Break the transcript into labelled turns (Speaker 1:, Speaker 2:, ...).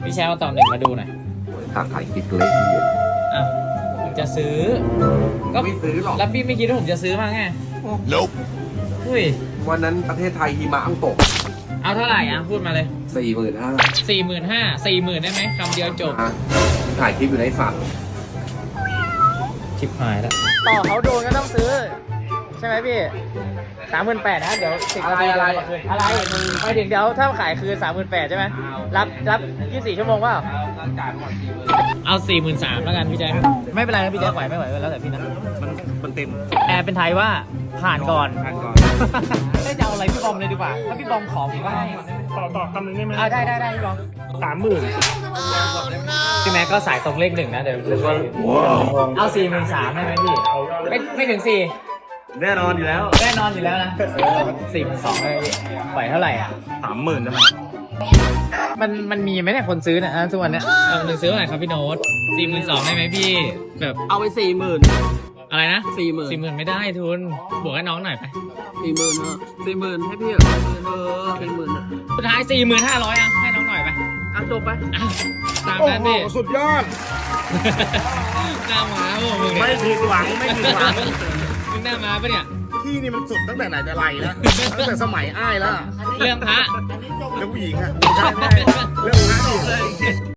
Speaker 1: พี่แชร์มาตอบหนึ่งมาดูหน่อย
Speaker 2: ตาขายกิ๊กเล็กเหี้ย
Speaker 1: อ้าวผมจะซื้อ ก็
Speaker 2: ไม่ซื้อหรอก
Speaker 1: แล้วพี่ไม่คิดว่าผมจะซื้อมาไง
Speaker 2: Nope
Speaker 1: อุ้ย
Speaker 2: วันนั้นประเทศไทยหิมะอังตก
Speaker 1: เอาเท่าไหร่อ่ะพูดมาเลย
Speaker 2: 45,000
Speaker 1: 45,000ได้ไหมคำเดียวจบ
Speaker 2: ถ่ายคลิปอยู่ในฝั่ง
Speaker 1: ชิบหายแล้วต่อเขาโดนก็ต้องซื้อ ใช่ไหมพี่38,000นะเดี๋ยว10 นาทีอะไรไปถึงเดี๋ยวถ้าขายคืน38,000ใช่ไหมรับ24 ชั่วโมงเปล่าเอา43,000แล้วกันพี่แจ๊คไม่เป็นไรนะพี่แจ๊คไหวไม่ไหวแล้วแต่พี่นะ
Speaker 2: มันเต็ม
Speaker 1: แอร์เป็นไทยว่าผ่านก่อน
Speaker 2: ก่อน
Speaker 1: ได้จะเอาอะไรพี่บอมเลยดีกว่าถ้าพี่บอมขอผมก็ให้
Speaker 3: ต่อคำหนึ่งได้ไหม
Speaker 1: ได้พี่บอม
Speaker 3: 30,000
Speaker 1: พี่แม็กก็สายตรงเลขหนึ่งนะเดี๋ยวเอา43,000ได้ไหมพี่ไม่ถึง4
Speaker 3: แน่นอนอยู่แล้ว
Speaker 1: แน่นอนอยู่แล้วนะ42เลยพี่ปล่อยเท่าไหร่อ่ะ
Speaker 3: 30,000ได้ไหม
Speaker 1: มันมีไหมเนี่ยคนซื้อเนี่ยทุกวันเนี้ยหนึ่งซื้อเท่าไหร่ครับพี่โน้ต42,000ได้ไหมพี่แบบ
Speaker 4: เอาไป40,000
Speaker 1: อะไรนะ
Speaker 4: 40,000
Speaker 1: 40,000ไม่ได้ทุนบวกให้น้องหน่อยไป
Speaker 4: 40,000เนอะ40,000ให้พี่เหรอ40,000อะ
Speaker 1: สุดท้าย45,000อ่ะให้น้องหน่อยไป
Speaker 4: อ่ะจบไป
Speaker 1: อ่ะตาม
Speaker 3: โอ้
Speaker 1: นั้น
Speaker 3: โห
Speaker 1: ดิ
Speaker 3: สุดยอด
Speaker 1: หน้าม้าพวกมึง
Speaker 3: ไม่
Speaker 1: เนี่ย
Speaker 3: ผิดหวังไม่ผิดหวัง
Speaker 1: มึงหน้าม้าปะเนี่ย
Speaker 3: พี่นี่มันสุดตั้งแต่ไหนแต่ไรแล้ว ตั้งแต่สมัยอ้ายแล้ว
Speaker 1: เรื่องพระ
Speaker 3: เรื่องผู้หญิงอะใช่แม่เรื่องพระดิ